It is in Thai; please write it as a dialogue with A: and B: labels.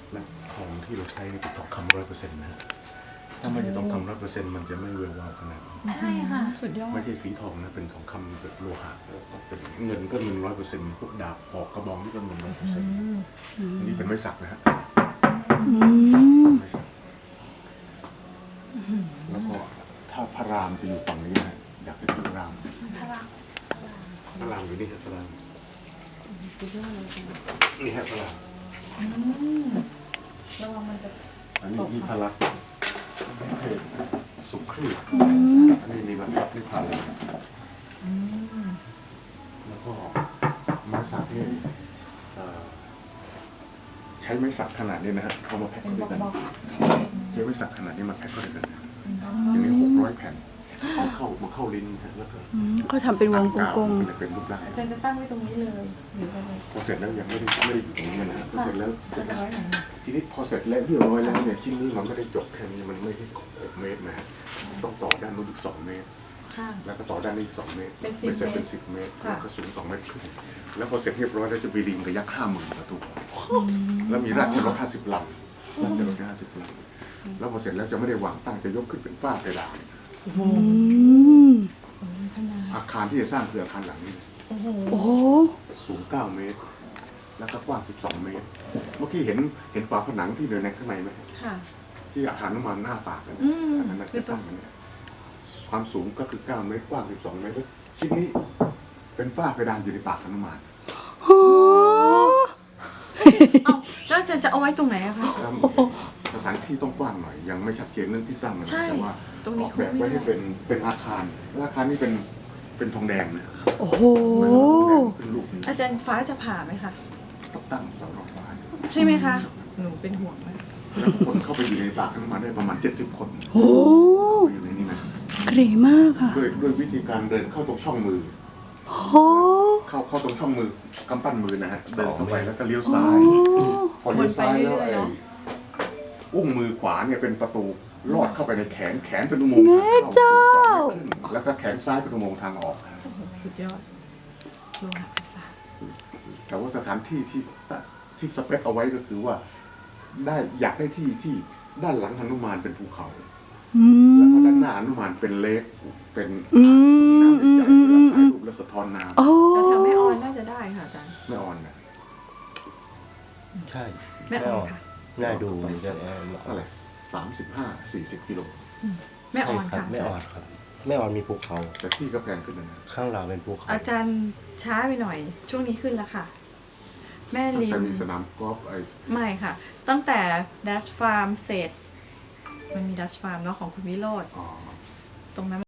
A: และทองที่เราใช้นี่เป็นทองคำ100%นะฮะถ้าไม่ใช่ทองคำ100%มันจะไม่เวลวาวขนาดนี้
B: ใช่ค่ะ
C: สุดยอด
A: ไม่ใช่สีทองนะเป็นทองคำแบบโลหะแล้วก็เป็นเงินก็เงิน100%พวกดาบปอกกระบองนี่ก็เงิน100%นี่เป็นไม้สักนะฮะไม้สักแล้วก็ถ้าพระรามจะอยู่ฝั่งนี้นะอยากจะดูพระรามพระรามอยู่นี่ครับพระรามนี่ฮะพระราม
B: ระวังมันจะ
A: อันนี้มีพลักสุขรีอันนี้นี่มันนี่พลักแล้วก็ไม้สักนี่ใช้ไม้สักขนาดนี้นะฮะเอามาแพ็คเข้าด้วยกันใช้ไม้สักขนาดนี้มาแพ็คเข้าด้วยกันอย่างนี้600 แผ่นมาเข้าลิ้นแล้วก็
C: ก็ทำเป็นวงกลม
A: เป็นรูปร่าง
B: อาจารย์จะตั้งไว้ตรงนี้เลยหรืออะไร
A: พอเสร็จแล้วยังไม่ได้อยู่ตรงนี้นะฮะพอเสร็จแล้ว
B: จะร้อยไหน
A: ทีนี้พอเสร็จแล้วเรียบร้อยแล้วเนี่ยชิ้นนี้มันไม่ได้จบแค่นี้มันไม่ได้6 เมตรนะฮะต้องต่อด้านนู้นอีก2 เมตร
B: ค่ะ
A: แล้วก็ต่อด้านนี้อีก2 เมตร
B: เป็น10
A: ไม่ใช่เป็น10 เมตรแล้วก็สูง2 เมตรครึ่งแล้วพอเสร็จเรียบร้อยแล้วจะมีลิงกับยักษ์50,000 ตัวแล้วมีราชรถ50 ลำราชรถ50 ลำแล้วพอเสร็จแล้วจะไม่ได้วางตั้งจะยกขึ้นเป็นฝ้าเพดานอาคารที่จะสร้างคืออาคารหลังนี้
C: โอ้โห
A: สูง9 เมตร แล้วก็กว้าง12 เมตร เมื่อกี้เห็นฝาผนังที่อยู่ในข้างในไหม
B: ค่ะ
A: ที่อาคารน้ำมันหน้าปากกันอันนั้นจะสร้างกันเนี่ยความสูงก็คือ9 เมตรกว้าง12 เมตรชิ้นนี้เป็นฝ้าเพดานอยู่ในปากน้ำมัน
C: โอ้
B: เอ้าแล้วอาจารย์จะเอาไว้ตรงไหนอะคะ
A: แล้วสถานที่ต้องกว้างหน่อยยังไม่ชัดเจนเรื่องที่ตั้งนะ
B: ใช่
A: แต่ว่า
B: ตรงนี้
A: ออกแบบไว้ให้เป็นอาคารและอาคารนี้เป็นทองแดงนะ
C: โอ้โห
A: เป็นรูป
B: อาจารย์ฟ้าจะผ่าไหมคะ
A: ต้องตั้งเสาดอกไม้
B: ใช่ไหมคะ หนูเป็นห่วงมาก
A: แล้วคนเข้าไปอยู่ในปากน้ำมันได้ประมาณ70 คน
C: โอ้
A: อยู่ในนี้นะ
C: เก๋มากค่ะ
A: ด้วยวิธีการเดินเข้าตรงช่องมือ
C: โอ้
A: เข้าตรงช่องมือกำปั้นมือนะฮะเดินเข้าไปแล้วก็เลี้ยวซ้าย พอเลี้ยวซ้ายแล้วอุ้งมือขวาเนี่ยเป็นประตูลอดเข้าไปในแขนเป็นอุโมงค์ทางเข้า2 เมตรครึ่งแล้วก็แขนซ้ายเป็นอุโมงค์ทางออก
B: สุดยอดโลหะประสาท
A: แต่ว่าสถานที่ที่สเปคเอาไว้ก็คือว่าอยากได้ที่ด้านหลังหนุมานเป็นภูเขา แล้วก็ด้านหน้าหนุมานเป็นเลคเป็นน้ำใหญ่ๆเวลาถ่ายรูปแล้วสะท้อนน้ำ
C: โอ้
B: แล้วแถวแม่ออนน่าจะได้ค่ะอาจารย์
A: ไม่อ่อนนะ
D: ใช่
B: แม่ออนค่ะ
D: น่าดูดีจัง
A: เท่าไหร่35-40 กิโล
B: แม่ออนค่ะ
D: แม่อ่อนครับแม่อ่อนมีภูเขา
A: แต่ที่ก็แพงขึ้นนะ
D: ข้างเราเป็นภูเขา
B: อาจารย์ช้าไปหน่อย ช่วงนี้ขึ้นแล้วค่ะ แม่ริม
A: แต่มีสนามกอล์ฟ
B: ไม่ค่ะ ตั้งแต่ดัชฟาร์มเสร็จ มันมีดัชฟาร์มเนาะของคุณวิโรจน์
A: อ๋อ
B: ตรงนั้น